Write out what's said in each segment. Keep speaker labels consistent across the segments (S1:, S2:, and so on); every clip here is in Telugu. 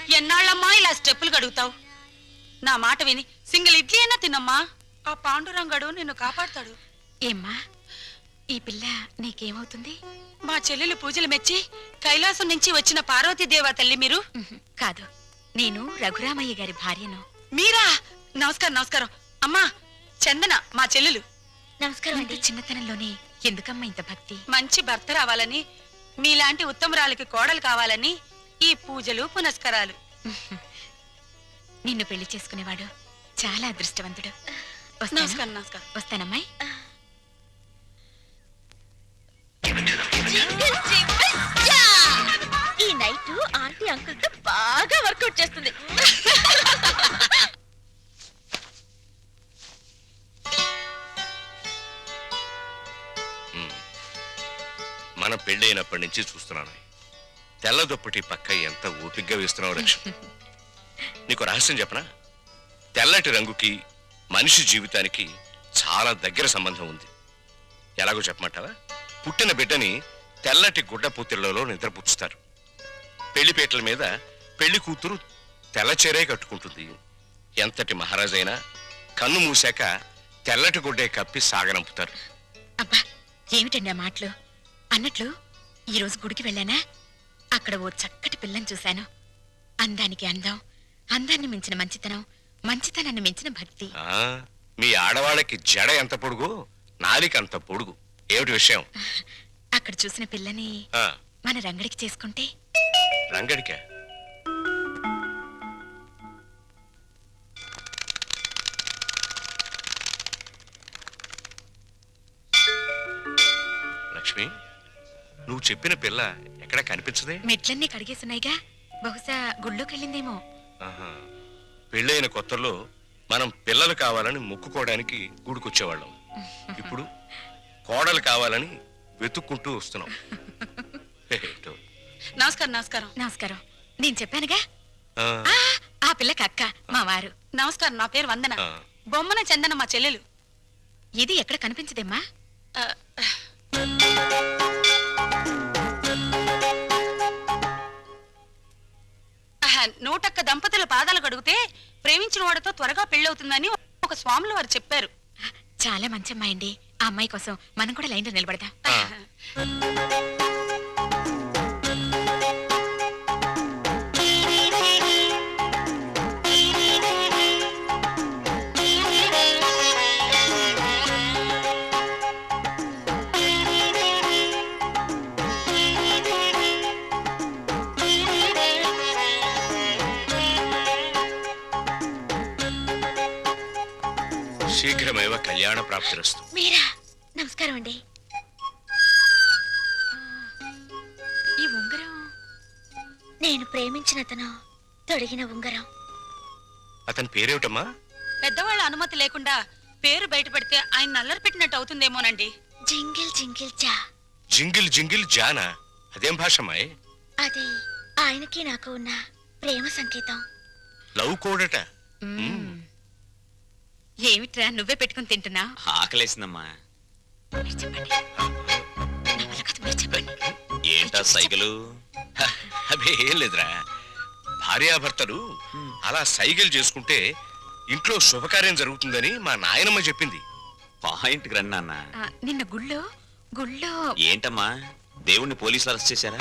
S1: ఎన్నాళ్ళమ్మా ఇలా స్టెప్పులు కడుగుతావు? నా మాట విని సింగిల్ ఇడ్లీ అయినా తినమ్మా. ఆ పాండురంగడు నిన్ను కాపాడతాడు.
S2: ఏమ్మా ఈ పిల్ల నీకేమవుతుంది?
S1: మా చెల్లెలు పూజలు మెచ్చి కైలాసం నుంచి వచ్చిన పార్వతీదేవా తల్లి మీరు?
S2: కాదు, నేను రఘురామయ్య గారి భార్యను.
S1: మీరా? నమస్కారం నమస్కారం. అమ్మా చందన మా చెల్లెలు.
S2: నమస్కారం. ఇంత చిన్నతనంలోనే ఎందుకమ్మా ఇంత భక్తి?
S1: మంచి భర్త రావాలని, మీలాంటి ఉత్తమరాలకి కోడలు కావాలని ఈ పూజలు పునస్కారాలు.
S2: నిన్ను పెళ్లి చేసుకునేవాడు చాలా అదృష్టవంతుడు.
S1: నమస్కారం నమస్కారం.
S2: వస్తానమ్మాయి.
S3: ఈ నైట్ ఆంటీ అంకుల్ తో బాగా వర్కౌట్ చేస్తుంది.
S4: మన పెళ్ళైనప్పటి నుంచి చూస్తున్నాను. తెల్ల దుప్పటి పక్క ఎంత ఓపిగ్గా వేస్తున్నావు లక్ష్మి. నీకు రహస్యం చెప్పనా? తెల్లటి రంగుకి మనిషి జీవితానికి చాలా దగ్గర సంబంధం ఉంది. ఎలాగో చెప్పమంటావా? పుట్టిన బిడ్డని తెల్లటి గుడ్డ పూతిళ్లలో నిద్రపుచ్చుతారు. పెళ్లిపేటల మీద పెళ్లి కూతురు తెల్ల చీరే కట్టుకుంటుంది. ఎంతటి మహారాజైనా కన్ను మూసాక తెల్లటి గుడ్డే కప్పి సాగనంపుతారు.
S2: అబ్బా ఏమిటండి ఆ మాటలు? అన్నట్లు ఈరోజు గుడికి వెళ్ళానా, అక్కడ ఓ చక్కటి పిల్లని చూశాను. అందానికి అందం, అందాన్ని మించిన మంచితనం, మంచితనాన్ని మించిన భక్తి.
S4: మీ ఆడవాళ్ళకి జడ ఎంత పొడుగు, నాలిక అంత పొడుగు. ఏమిటి విషయం?
S2: అక్కడ చూసిన పిల్లని మన రంగడికి చేసుకుంటే.
S4: రంగడికా? లక్ష్మి, నువ్వు చెప్పిన పిల్ల ఎక్కడ కనిపించదే?
S2: మెట్లన్నీ కడిగేస్తున్నాయిగా, బహుశా గుళ్ళోకి వెళ్ళిందేమో.
S4: పెళ్ళైన కొత్తలో మనం పిల్లలు కావాలని మొక్కుకోవడానికి గుడికొచ్చేవాళ్ళం. ఇప్పుడు కోడలు కావాలని వెతుక్కుంటూ వస్తున్నాం.
S1: నమస్కారం నమస్కారం.
S2: నమస్కారం. నేను చెప్పానుగా ఆ పిల్లకి అక్క మా వారు.
S1: నమస్కారం. నా పేరు వందన. బొమ్మన చందన మా చెల్లెలు.
S2: ఇది ఎక్కడ కనిపించదేమ్మా?
S1: నూటొక్క దంపతుల పాదాలు కడిగితే ప్రేమించిన వాడితో త్వరగా పెళ్ళవుతుందని ఒక స్వాములు వారు చెప్పారు.
S2: చాలా మంచి అమ్మాయి అండి. ఆ అమ్మాయి కోసం మనం కూడా లైన్లో నిలబడదాం.
S4: శీఘ్రమేవ కళ్యాణ ప్రాప్తిరస్తు.
S3: మీరా? నమస్కారం అండి.
S2: ఈ ఉంగరం
S3: నేను ప్రేమించిన అతను తొడిగిన ఉంగరం.
S4: అతని పేరేమిటమ్మా?
S1: పెద్దవాళ్ళ అనుమతి లేకుండా పేరు బయట పెడితే ఆయన నల్లరి పెట్టినట్టు అవుతుందేమోనండి.
S3: జింగిల్ జింగిల్ జా.
S4: జింగిల్ జింగిల్ జానా? అదేం భాషమాయ్?
S3: అది ఆయనకి నాకు ఉన్న ప్రేమ సంకేతం.
S4: లవ్ కోడట.
S2: ఏమిట్రా నువ్వే పెట్టుకుని తింటున్నా?
S5: ఆకలేసిందమ్మా.
S2: చెప్పండి.
S5: ఏంటా సైకిలు?
S4: అదే ఏం లేదురా, భార్యాభర్తలు అలా సైకిల్ చేసుకుంటే ఇంట్లో శుభకార్యం జరుగుతుందని మా నాయనమ్మ చెప్పింది.
S5: పాయింట్కి రండి నాన్న.
S2: నిన్న గుళ్ళో
S5: ఏంటమ్మా, దేవుణ్ణి పోలీసులు అరెస్ట్ చేశారా?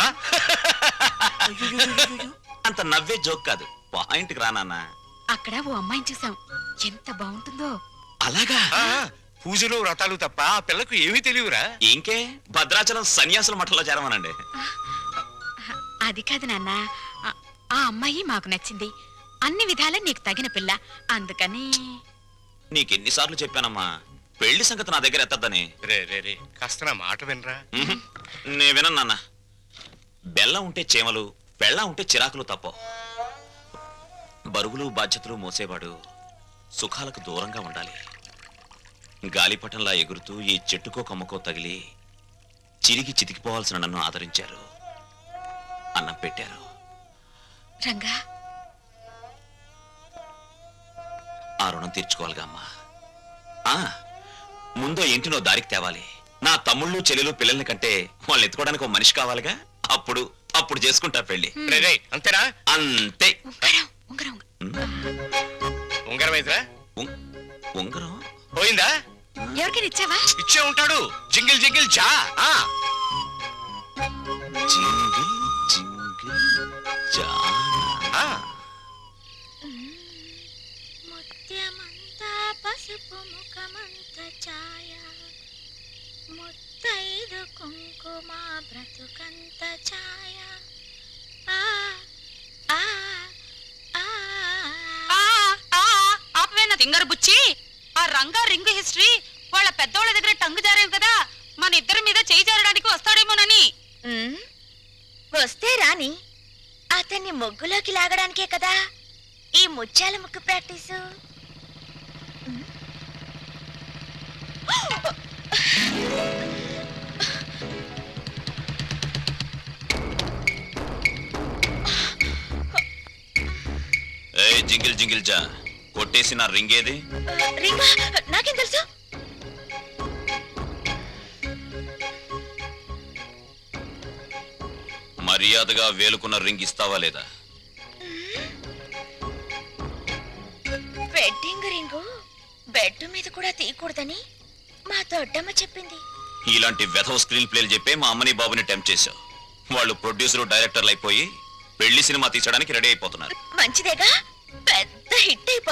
S5: అంత నవ్వే జోక్ కాదు, పాయింట్కి రా నాన్న.
S2: అక్కడ ఓ అమ్మాయిని చూసాం, ఎంత బాగుంటుందో.
S5: అలాగా?
S4: పూజలు వ్రతాలు తప్ప ఆ పిల్లకు ఏమీ తెలియరా?
S5: ఇంకే భద్రాచలం సన్యాసుల మఠంలో చేరమనండి.
S2: అది కాదు నాన్న, ఆ అమ్మాయి మాకు నచ్చింది. అన్ని విధాలా నీకు తగిన పిల్ల, అందుకని.
S5: నీకెన్నిసార్లు చెప్పానమ్మా పెళ్లి సంగతి నా దగ్గర ఎత్తద్దని.
S4: రే రే రే, కాస్త నా మాట వినరా.
S5: నే వినను నాన్న. బెల్లం ఉంటే చేమలు, బెల్లం ఉంటే చిరాకులు తప్ప. బరువులు బాధ్యతలు మోసేవాడు సుఖాలకు దూరంగా ఉండాలి. గాలిపటంలా ఎగురుతూ ఈ చెట్టుకో కొమ్మకో తగిలి చిరిగి చితికిపోవాల్సిన నన్ను ఆదరించారు, అన్నం పెట్టారు.
S2: రంగా,
S5: ఆ రుణం తీర్చుకోవాలిగా అమ్మా. ముందో ఇంటినో దారికి తేవాలి. నా తమ్ముళ్ళు చెల్లెలు పిల్లల్ని కంటే వాళ్ళని ఎత్తుకోవడానికి ఒక మనిషి కావాలిగా. అప్పుడు చేసుకుంటా పెళ్లి.
S4: అంతేనా?
S5: అంతే.
S4: ఉంగరం అయితేరా
S5: ఉంగరం
S4: పోయిందా?
S2: ఎవరికైనా ఇచ్చావా?
S4: ఇచ్చే ఉంటాడు. జింగిల్ జింగిల్ జా.
S5: జింగిల్ జింగిల్ జానా.
S3: ముత్యమంతా పసుపు ముఖమంత ఛాయ ముత్తైదు కుంకుమ బ్రతుకంత ఛాయ ఆ ఆ ఆ
S1: ఆపవేనా తింగరు బుచ్చి. ఆ రంగా రింగు హిస్టరీ వాళ్ళ పెద్దోళ్ళ దగ్గర టంగు జారేవు కదా, మన ఇద్దరి మీద చేయి జారడానికి వస్తాడేమోనని.
S3: వస్తే రాని, అతన్ని ముగ్గులోకి లాగడానికే కదా ఈ ముత్యాల ముగ్గు ప్రాక్టీసు.
S5: ఏ జింగిల్ జింగిల్ జా, కొట్టేసి నా రింగ్ ఏది?
S3: రింగా నాకేం తెలుసు?
S5: మర్యాదగా వేలుకున్న రింగ్ ఇస్తావా లేదా?
S3: వెడ్డింగ్ రింగు బెడ్ మీద కూడా తీయకూడదని మా దొడ్డమ్మ చెప్పింది.
S5: ఇలాంటి వెధవ స్క్రీన్ ప్లేలు చెప్పే మా అమ్మని బాబుని టెంప్ట్ చేశావు. వాళ్ళు ప్రొడ్యూసర్ డైరెక్టర్లు అయిపోయి పెళ్లి సినిమా తీసడానికి రెడీ అయిపోతున్నారు.
S3: మంచిదేగా, పెద్ద హిట్ అయిపోతుంది.